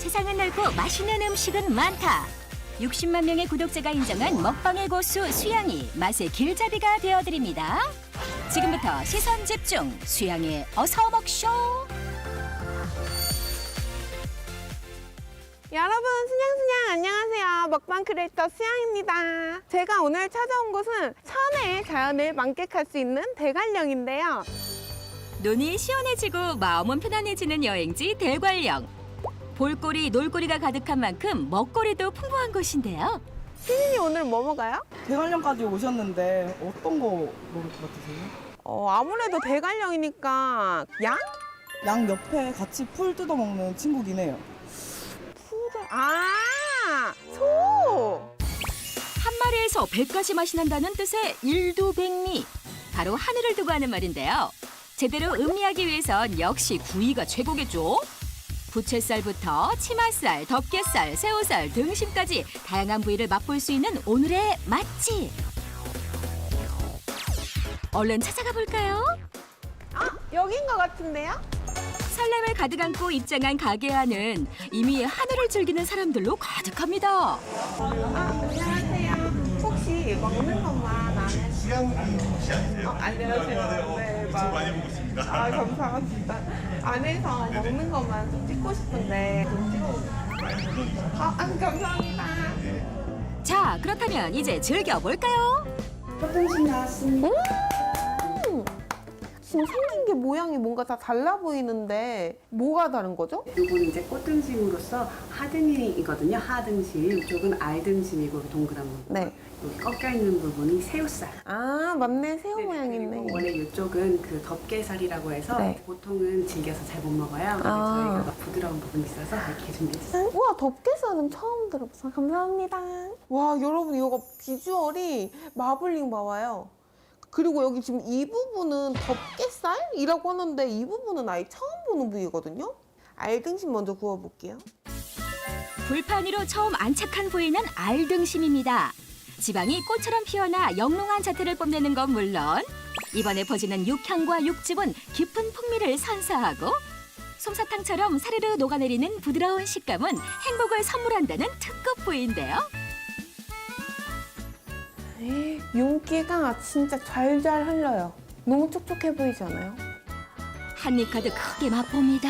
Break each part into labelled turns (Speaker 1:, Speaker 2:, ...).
Speaker 1: 세상은 넓고 맛있는 음식은 많다. 60만 명의 구독자가 인정한 먹방의 고수 수양이 맛의 길잡이가 되어드립니다. 지금부터 시선 집중, 수양의 어서 먹쇼.
Speaker 2: 여러분 순양순양 안녕하세요. 먹방 크리에이터 수양입니다. 제가 오늘 찾아온 곳은 천혜의 자연을 만끽할 수 있는 대관령인데요.
Speaker 1: 눈이 시원해지고 마음은 편안해지는 여행지 대관령. 볼거리, 놀거리가 가득한 만큼 먹거리도 풍부한 곳인데요.
Speaker 2: 피디님 오늘 뭐 먹어요?
Speaker 3: 대관령까지 오셨는데 어떤 거 먹을 것 같으세요?
Speaker 2: 아무래도 대관령이니까 양?
Speaker 3: 양 옆에 같이 풀 뜯어 먹는 친구긴 해요.
Speaker 2: 소!
Speaker 1: 한 마리에서 100가지 맛이 난다는 뜻의 일두백미. 바로 하늘을 두고 하는 말인데요. 제대로 음미하기 위해선 역시 구이가 최고겠죠. 부채살부터 치맛살, 덮개살, 새우살, 등심까지 다양한 부위를 맛볼 수 있는 오늘의 맛집. 얼른 찾아가 볼까요?
Speaker 2: 여긴 것 같은데요?
Speaker 1: 설렘을 가득 안고 입장한 가게 안은 이미 하늘을 즐기는 사람들로 가득합니다.
Speaker 2: 안녕하세요. 혹시 먹는 것만 아는
Speaker 4: 수양이 혹시 아니세요?
Speaker 2: 안녕하세요. 네,
Speaker 4: 많이 보고 있습니다.
Speaker 2: 감사합니다. 안에서 먹는 것만 좀 찍고 싶은데 좀 찍어주세요. 감사합니다.
Speaker 1: 자, 그렇다면 이제 즐겨볼까요?
Speaker 2: 꽃등심 나왔습니다. 지금 생긴 게 모양이 뭔가 다 달라 보이는데 뭐가 다른 거죠?
Speaker 5: 이거는 이제 꽃등심으로서 하등이거든요. 하등심. 이쪽은 알등심이고 동그란 부분.
Speaker 2: 네.
Speaker 5: 여기 꺾여 있는 부분이 새우살.
Speaker 2: 아, 맞네. 새우
Speaker 5: 네,
Speaker 2: 모양
Speaker 5: 그리고
Speaker 2: 있네.
Speaker 5: 원래 이쪽은 그 덮개살이라고 해서
Speaker 2: 네.
Speaker 5: 보통은 질겨서 잘 못 먹어요. 근데 저희가 막 부드러운 부분이 있어서 이렇게 준비했어요.
Speaker 2: 우와, 덮개살은 처음 들어봤어요. 감사합니다. 와, 여러분 이거 비주얼이 마블링 봐봐요. 그리고 여기 지금 이 부분은 덮개살이라고 하는데 이 부분은 아예 처음 보는 부위거든요. 알등심 먼저 구워볼게요.
Speaker 1: 불판 위로 처음 안착한 부위는 알등심입니다. 지방이 꽃처럼 피어나 영롱한 자태를 뽐내는 건 물론 이번에 퍼지는 육향과 육즙은 깊은 풍미를 선사하고 솜사탕처럼 사르르 녹아내리는 부드러운 식감은 행복을 선물한다는 특급 부위인데요.
Speaker 2: 윤기가 진짜 잘잘 흘러요. 너무 촉촉해 보이지 않아요?
Speaker 1: 한 입 가득 크게 맛봅니다.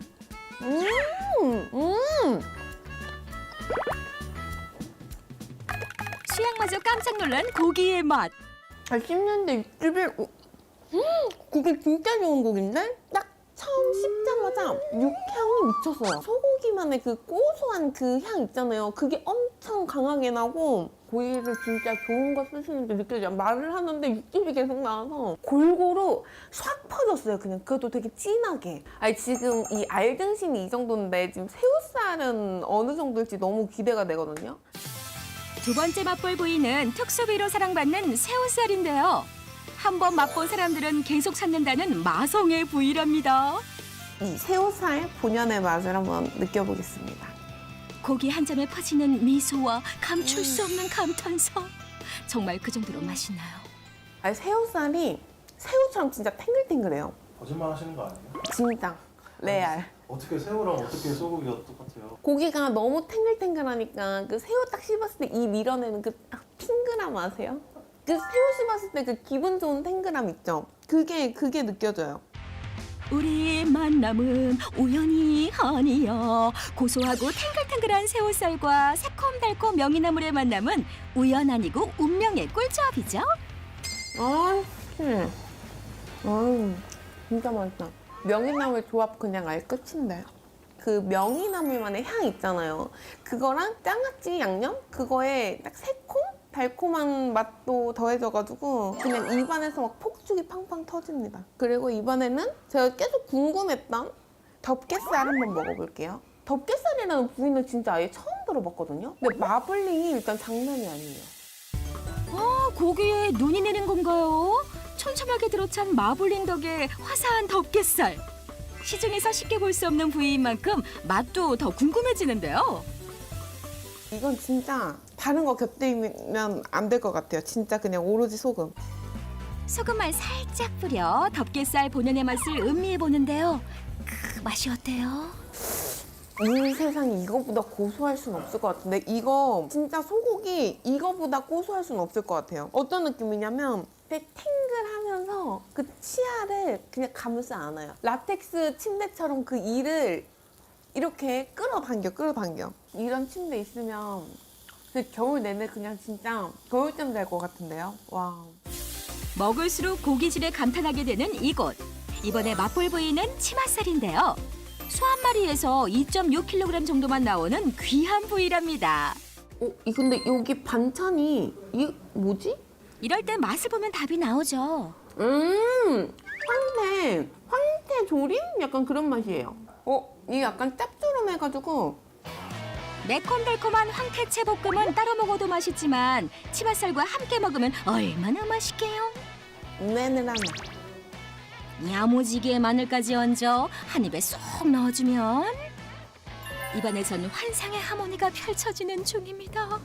Speaker 1: 수양마저 깜짝 놀란 고기의 맛.
Speaker 2: 잘 씹는데 육즙이 그게 진짜 좋은 고기인데 딱 처음 씹자마자 육향이 미쳤어요. 소고기만의 그 고소한 그 향 있잖아요. 그게 엄청 강하게 나고 고기를 진짜 좋은 거 쓰시는데 느껴져요. 말을 하는데 육즙이 계속 나와서 골고루 싹 퍼졌어요. 그냥 그것도 되게 진하게. 아니 지금 이 알등심이 이 정도인데 지금 새우살은 어느 정도일지 너무 기대가 되거든요.
Speaker 1: 두 번째 맛볼 부위는 특수부위로 사랑받는 새우살인데요. 한 번 맛본 사람들은 계속 찾는다는 마성의 부위랍니다.
Speaker 2: 이 새우살 본연의 맛을 한번 느껴보겠습니다.
Speaker 1: 고기 한 점에 퍼지는 미소와 감출 수 없는 감탄성. 정말 그 정도로 맛있나요?
Speaker 2: 아니 새우살이 새우처럼 진짜 탱글탱글해요.
Speaker 4: 거짓말 하시는 거 아니에요?
Speaker 2: 진짜 레알.
Speaker 4: 어떻게 새우랑 어떻게 소고기가 똑같아요?
Speaker 2: 고기가 너무 탱글탱글하니까 그 새우 딱 씹었을 때 이 밀어내는 그 핑그함 아세요? 그 새우 씹었을 때 그 기분 좋은 탱글함 있죠? 그게 느껴져요.
Speaker 1: 우리의 만남은 우연이 아니야. 고소하고 탱글탱글한 새우살과 새콤달콤 명이나물의 만남은 우연 아니고 운명의 꿀조합이죠.
Speaker 2: 진짜 맛있다. 명이나물 조합 그냥 아예 끝인데. 그 명이나물만의 향 있잖아요. 그거랑 장아찌 양념? 그거에 딱 새콤? 달콤한 맛도 더해져가지고 그냥 입안에서 막 폭죽이 팡팡 터집니다. 그리고 이번에는 제가 계속 궁금했던 덮개살 한번 먹어볼게요. 덮개살이라는 부위는 진짜 아예 처음 들어봤거든요. 근데 마블링이 일단 장난이 아니에요.
Speaker 1: 고기에 눈이 내린 건가요? 촘촘하게 들어찬 마블링 덕에 화사한 덮개살. 시중에서 쉽게 볼 수 없는 부위인 만큼 맛도 더 궁금해지는데요.
Speaker 2: 이건 진짜 다른 거 곁들이면 안 될 것 같아요. 진짜 그냥 오로지 소금.
Speaker 1: 소금만 살짝 뿌려 덮개살 본연의 맛을 음미해 보는데요. 그 맛이 어때요?
Speaker 2: 이 세상에 이거보다 고소할 수는 없을 것 같은데 이거 진짜 소고기 이거보다 고소할 수는 없을 것 같아요. 어떤 느낌이냐면 되게 탱글하면서 그 치아를 그냥 감싸 안아요. 라텍스 침대처럼 그 이를 이렇게 끌어당겨. 이런 침대 있으면 그 겨울 내내 그냥 진짜 겨울잠 잘 것 같은데요. 와.
Speaker 1: 먹을수록 고기질에 감탄하게 되는 이곳. 이번에 맛볼 부위는 치맛살인데요. 소 한 마리에서 2.6kg 정도만 나오는 귀한 부위랍니다.
Speaker 2: 근데 여기 반찬이 이 뭐지?
Speaker 1: 이럴 때 맛을 보면 답이 나오죠.
Speaker 2: 황태 조림? 약간 그런 맛이에요. 이게 약간 짭조름해가지고
Speaker 1: 매콤달콤한 황태채 볶음은 따로 먹어도 맛있지만 치맛살과 함께 먹으면 얼마나 맛있게요.
Speaker 2: 내느라마.
Speaker 1: 야무지게 마늘까지 얹어 한 입에 쏙 넣어주면 입안에선 환상의 하모니가 펼쳐지는 중입니다.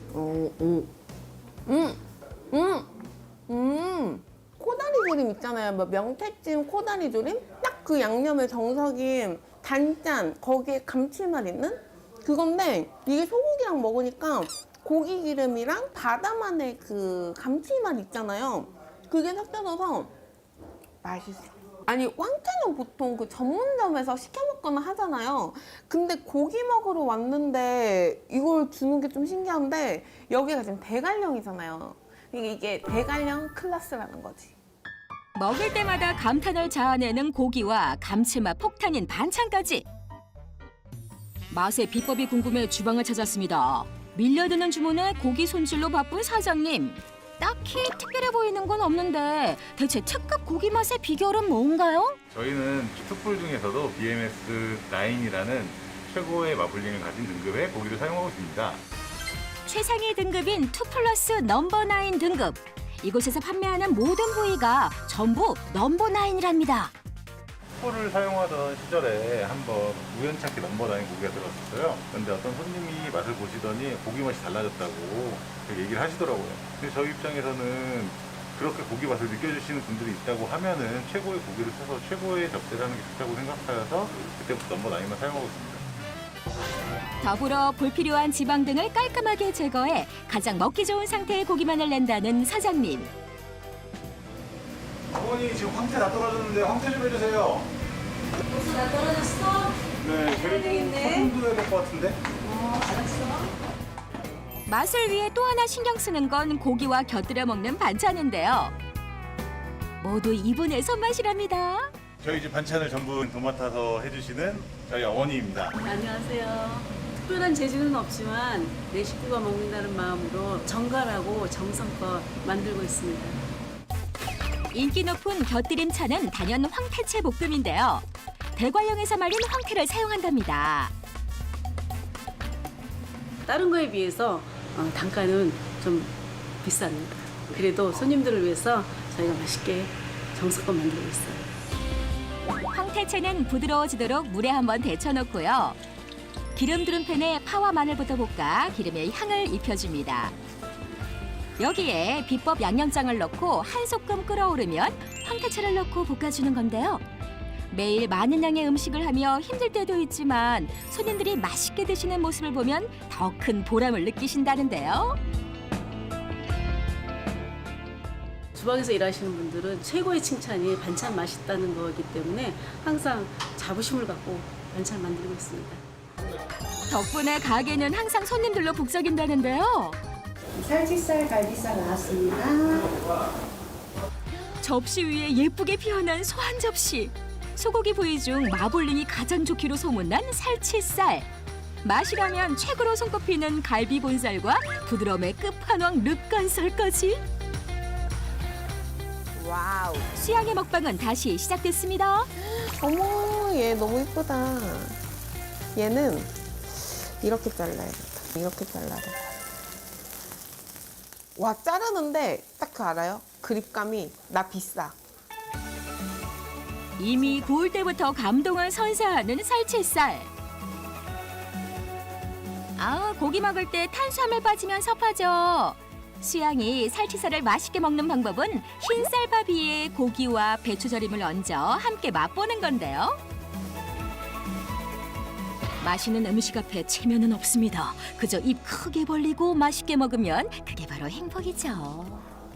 Speaker 2: 코다리 조림 있잖아요. 뭐 명태찜 코다리 조림? 딱 그 양념의 정석인 단짠, 거기에 감칠맛 있는? 그건데 이게 소고기랑 먹으니까 고기 기름이랑 바다만의 그 감칠맛 있잖아요. 그게 섞여져서 맛있어. 아니 황태는 보통 그 전문점에서 시켜 먹거나 하잖아요. 근데 고기 먹으러 왔는데 이걸 주는 게 좀 신기한데 여기가 지금 대관령이잖아요. 이게 대관령 클래스라는 거지.
Speaker 1: 먹을 때마다 감탄을 자아내는 고기와 감칠맛 폭탄인 반찬까지. 맛의 비법이 궁금해 주방을 찾았습니다. 밀려드는 주문에 고기 손질로 바쁜 사장님. 딱히 특별해 보이는 건 없는데 대체 특급 고기 맛의 비결은 뭔가요?
Speaker 6: 저희는 숯불 중에서도 BMS9이라는 최고의 마블링을 가진 등급의 고기를 사용하고 있습니다.
Speaker 1: 최상위 등급인 2+ 넘버 9 등급. 이곳에서 판매하는 모든 부위가 전부 넘버 9이랍니다.
Speaker 6: 숯불을 사용하던 시절에 한번 우연찮게 넘버나인 고기가 들어왔었어요. 그런데 어떤 손님이 맛을 보시더니 고기 맛이 달라졌다고 얘기를 하시더라고요. 근데 저희 입장에서는 그렇게 고기 맛을 느껴주시는 분들이 있다고 하면은 최고의 고기를 써서 최고의 접대를 하는 게 좋다고 생각하여서 그때부터 넘버 9만 사용하고 있습니다.
Speaker 1: 더불어 불필요한 지방 등을 깔끔하게 제거해 가장 먹기 좋은 상태의 고기만을 낸다는 사장님.
Speaker 6: 어머니 지금 황태 다 떨어졌는데 황태 좀 해주세요.
Speaker 7: 벌써 다 떨어졌어?
Speaker 6: 네, 그리고 소금도 해야 될 것 같은데.
Speaker 1: 맛을 위해 또 하나 신경 쓰는 건 고기와 곁들여 먹는 반찬인데요. 모두 이분의 손맛이랍니다.
Speaker 6: 저희 집 반찬을 전부 도맡아서 해주시는 저희 어머니입니다.
Speaker 7: 안녕하세요. 특별한 재주는 없지만 내 식구가 먹는다는 마음으로 정갈하고 정성껏 만들고 있습니다.
Speaker 1: 인기 높은 곁들임차는 단연 황태채 볶음인데요. 대관령에서 말린 황태를 사용한답니다.
Speaker 7: 다른 거에 비해서 단가는 좀 비쌉니다. 그래도 손님들을 위해서 저희가 맛있게 정성껏 만들고 있어요.
Speaker 1: 황태채는 부드러워지도록 물에 한번 데쳐놓고요. 기름 두른 팬에 파와 마늘부터 볶아 기름에 향을 입혀줍니다. 여기에 비법 양념장을 넣고 한 소끔 끓어오르면 황태채를 넣고 볶아주는 건데요. 매일 많은 양의 음식을 하며 힘들 때도 있지만 손님들이 맛있게 드시는 모습을 보면 더 큰 보람을 느끼신다는데요.
Speaker 7: 주방에서 일하시는 분들은 최고의 칭찬이 반찬 맛있다는 거기 때문에 항상 자부심을 갖고 반찬 만들고 있습니다.
Speaker 1: 덕분에 가게는 항상 손님들로 북적인다는데요.
Speaker 5: 살치살, 갈비살 나왔습니다.
Speaker 1: 접시 위에 예쁘게 피어난 소 한 접시. 소고기 부위 중 마블링이 가장 좋기로 소문난 살치살. 맛이라면 최고로 손꼽히는 갈비 본살과 부드러움의 끝판왕 륵간살까지.
Speaker 2: 와우.
Speaker 1: 수양의 먹방은 다시 시작됐습니다.
Speaker 2: 어머, 얘 너무 이쁘다. 얘는 이렇게 잘라야겠다. 이렇게 잘라야 돼. 와, 자르는데 딱 그 알아요? 그립감이 나 비싸.
Speaker 1: 이미 구울 때부터 감동을 선사하는 살치살. 고기 먹을 때 탄수화물 빠지면 섭하죠. 수양이 살치살을 맛있게 먹는 방법은 흰쌀밥 위에 고기와 배추절임을 얹어 함께 맛보는 건데요. 맛있는 음식 앞에 체면은 없습니다. 그저 입 크게 벌리고 맛있게 먹으면 그게 바로 행복이죠.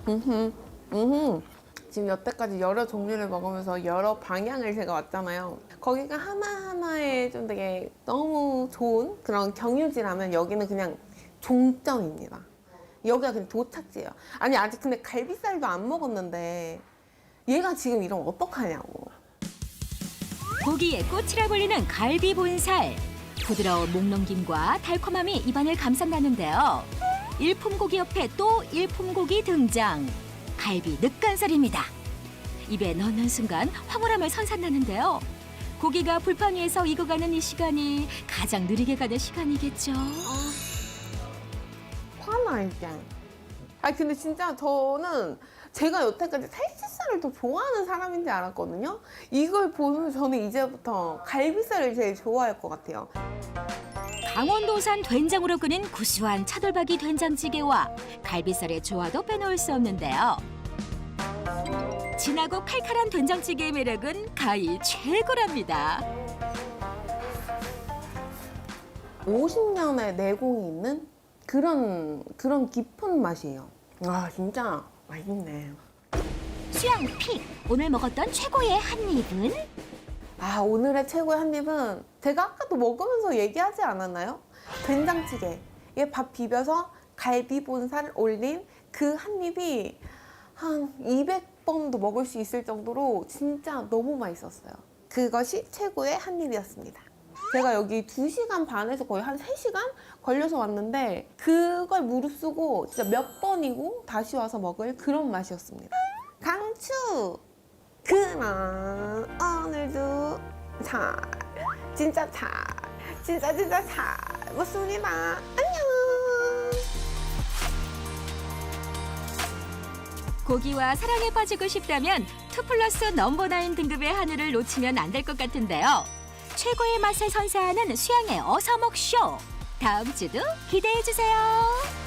Speaker 2: 지금 여태까지 여러 종류를 먹으면서 여러 방향을 제가 왔잖아요. 거기가 하나하나에 좀 되게 너무 좋은 그런 경유지라면 여기는 그냥 종점입니다. 여기가 그냥 도착지예요. 아니 아직 근데 갈비살도 안 먹었는데 얘가 지금 이러면 어떡하냐고.
Speaker 1: 고기의 꽃이라 불리는 갈비 본살. 부드러운 목넘김과 달콤함이 입안을 감싼다는데요. 일품고기 옆에 또 일품고기 등장. 갈비 늑간살입니다. 입에 넣는 순간 황홀함을 선산나는데요. 고기가 불판 위에서 익어가는 이 시간이 가장 느리게 가는 시간이겠죠.
Speaker 2: 화나 이게. 아니 근데 진짜 저는 제가 여태까지 살치살을 더 좋아하는 사람인 줄 알았거든요. 이걸 보면서 저는 이제부터 갈비살을 제일 좋아할 것 같아요.
Speaker 1: 강원도산 된장으로 끓인 구수한 차돌박이 된장찌개와 갈비살의 조화도 빼놓을 수 없는데요. 진하고 칼칼한 된장찌개의 매력은 가히 최고랍니다.
Speaker 2: 50년의 내공이 있는 그런 깊은 맛이에요. 아 진짜 맛있네.
Speaker 1: 수양 픽! 오늘 먹었던 최고의 한 입은?
Speaker 2: 아 오늘의 최고의 한 입은 제가 아까도 먹으면서 얘기하지 않았나요? 된장찌개. 얘 밥 비벼서 갈비 본살 올린 그 한 입이 한 200번도 먹을 수 있을 정도로 진짜 너무 맛있었어요. 그것이 최고의 한 입이었습니다. 제가 여기 2시간 반에서 거의 한 3시간 걸려서 왔는데 그걸 무릅쓰고 진짜 몇 번이고 다시 와서 먹을 그런 맛이었습니다. 강추! 그럼 오늘도 진짜 잘 먹습니다. 안녕!
Speaker 1: 고기와 사랑에 빠지고 싶다면 2+9 넘버9 등급의 한우를 놓치면 안 될 것 같은데요. 최고의 맛을 선사하는 수양의 어서먹쇼. 다음 주도 기대해 주세요.